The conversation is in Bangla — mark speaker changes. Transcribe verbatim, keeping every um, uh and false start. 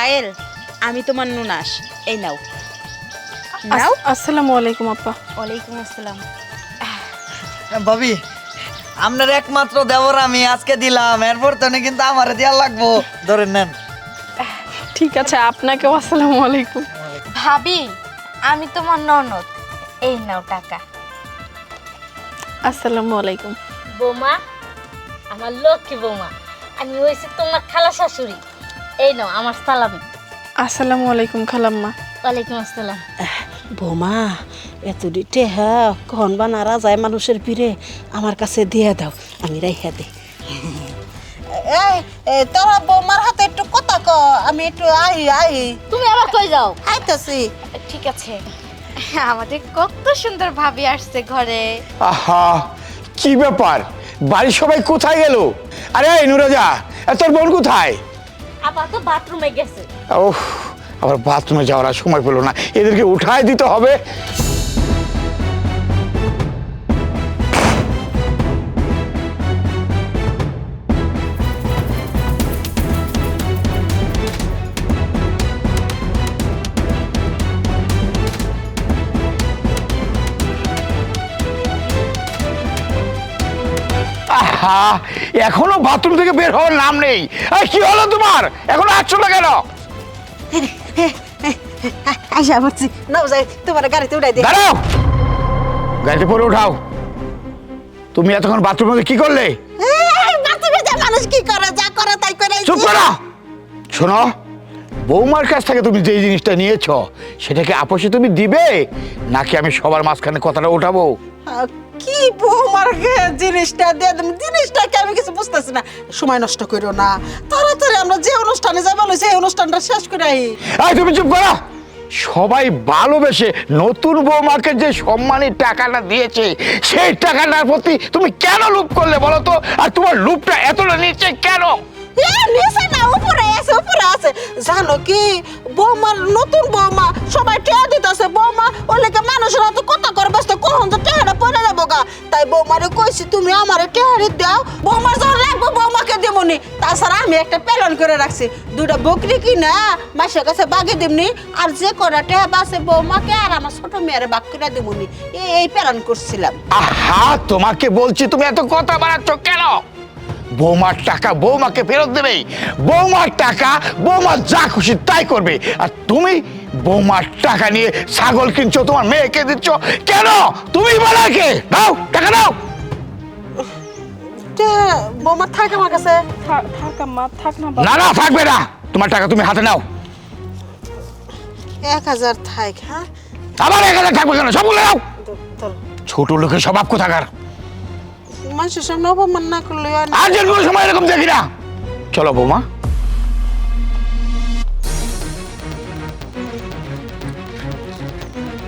Speaker 1: পায়েল, আমি তোমার নুনাস, এই নাও নাও।
Speaker 2: আসসালামু আলাইকুম আপা।
Speaker 1: ওয়ালাইকুম আসসালাম।
Speaker 3: ভাবি, আপনার একমাত্র দেবর আমি আজকে দিলাম, এরপর তো কিন্তু আমার দেওয়া লাগবো, ধরেন নেন।
Speaker 2: ঠিক আছে, আপনাকেও আসসালামু আলাইকুম।
Speaker 1: ভাবি, আমি তোমার ননদ, এই নাও টাকা।
Speaker 2: আসসালামু আলাইকুম।
Speaker 4: বৌমা, আমার লক্ষ্মী বৌমা, আমি হয়েছি তোমার খালা শাশুড়ি, এই নাও আমার সালামি।
Speaker 2: আসসালামু আলাইকুম খালাম্মা।
Speaker 4: ওয়ালাইকুম আসসালাম।
Speaker 5: বৌমা, এতটি টেহা কখন বা নারা যায় মানুষের ভিড়ে, আমার কাছে দিয়ে দাও, আমি রাইখা দিই। এই তোরা বৌমার হাতে একটু কথা ক, আমি একটু আই আই
Speaker 4: তুমি আবার কই যাও?
Speaker 5: আইতাছি।
Speaker 1: ঠিক আছে। আমাদের কত সুন্দর ভাবি আসছে ঘরে।
Speaker 6: আহা, কি ব্যাপার, বাড়ির সবাই কোথায় গেল? আরে এই নুরজা, এ তোর বোন কোথায়?
Speaker 4: আপা তো বাথরুমে গেছে।
Speaker 6: ওহ, আবার বাথরুমে যাওয়ার আর সময় পেলো না, এদেরকে উঠায় দিতে হবে। আহা, এখনো বাথরুম থেকে বের হওয়ার নাম নেই। এই, কি হলো তোমার? এখনো আসছো না কেন?
Speaker 5: আইসা বলছি, নাও যাই তোমার গাড়িতে উঠাই দিই।
Speaker 6: দাঁড়াও, গাড়িতে পরে উঠাও। তুমি এতক্ষণ বাথরুমে কি করলে?
Speaker 5: বাথরুমে যা মানুষ কি করে, যা করে তাই করে।
Speaker 6: চুপ করো। শোনো, বৌমার কাছ থেকে তুমি যে জিনিসটা নিয়েছো সেটাকে আপোষে তুমি দিবে, নাকি আমি সবার মাঝখানে কথাটা উঠাবো?
Speaker 5: কি বৌমার জিনিসটা দিয়ে দেব, জিনিসটাকে আমি কিছু বুঝতেছি না। সময় নষ্ট করো না, তাড়াতাড়ি আমরা যে অনুষ্ঠানে যাবো সেই অনুষ্ঠানটা শেষ করে আই।
Speaker 6: এই, তুমি চুপ করো। সবাই ভালোবেসে নতুন বৌমাকে যে সম্মানের টাকাটা দিয়েছে, সেই টাকাটার প্রতি তুমি কেন লোভ করলে বলো তো? আর তোমার লোভটা এতটা নিচে কেন?
Speaker 5: এ, নিচে না, উপরে আছে, উপরে আছে। জানো কি, বৌমার নতুন বৌমা, সবাই টেয়া দিতেছে। বৌমা ওলেকে মানুষের তো কথা করে ব্যস্ত, কখন তো টেহাটা পড়ে যাবো গা। তাই বৌমারে কইছি, তুমি আমারে টেহারি দাও, বৌমার যখন লাগবো বৌমাকে দেবনি। তাছাড়া আমি একটা প্যালন করে রাখছি, দুটা বকরি কিনা মাসের কাছে বাগে দিবনি, আর যে কটা টেহা বাসে বৌমাকে আর আমার ছোট মেয়ের বাক করে দেবনি, এই প্যালন করছিলাম।
Speaker 6: আহা, তোমাকে বলছি তুমি এত কথা বাড়াচ্ছ কেন? বৌমার টাকা বৌমাকে ফেরত দেবে, বৌমার টাকা বৌমা যা খুশি তাই করবে। আর তুমি বৌমার টাকা নিয়ে ছাগল কিনছো, তোমার মেয়েকে দিচ্ছ কেন? তুমি বলো কে? দাও টাকা, দাও।
Speaker 5: বৌমা থাক আমার কাছে।
Speaker 2: থাক থাক আম্মা, থাক না।
Speaker 6: না না, থাকবে না। তোমার টাকা তুমি হাতে নাও।
Speaker 5: এক হাজার থাক। হ্যাঁ,
Speaker 6: আবার এক হাজার থাকবে কেন? সবগুলো নাও। ছোট লোকের স্বভাব কোথাকার।
Speaker 5: মানুষের সামনে অপমান না করলে
Speaker 6: আর যেন কোনো সময় এরকম দেখি না। চলো বৌমা,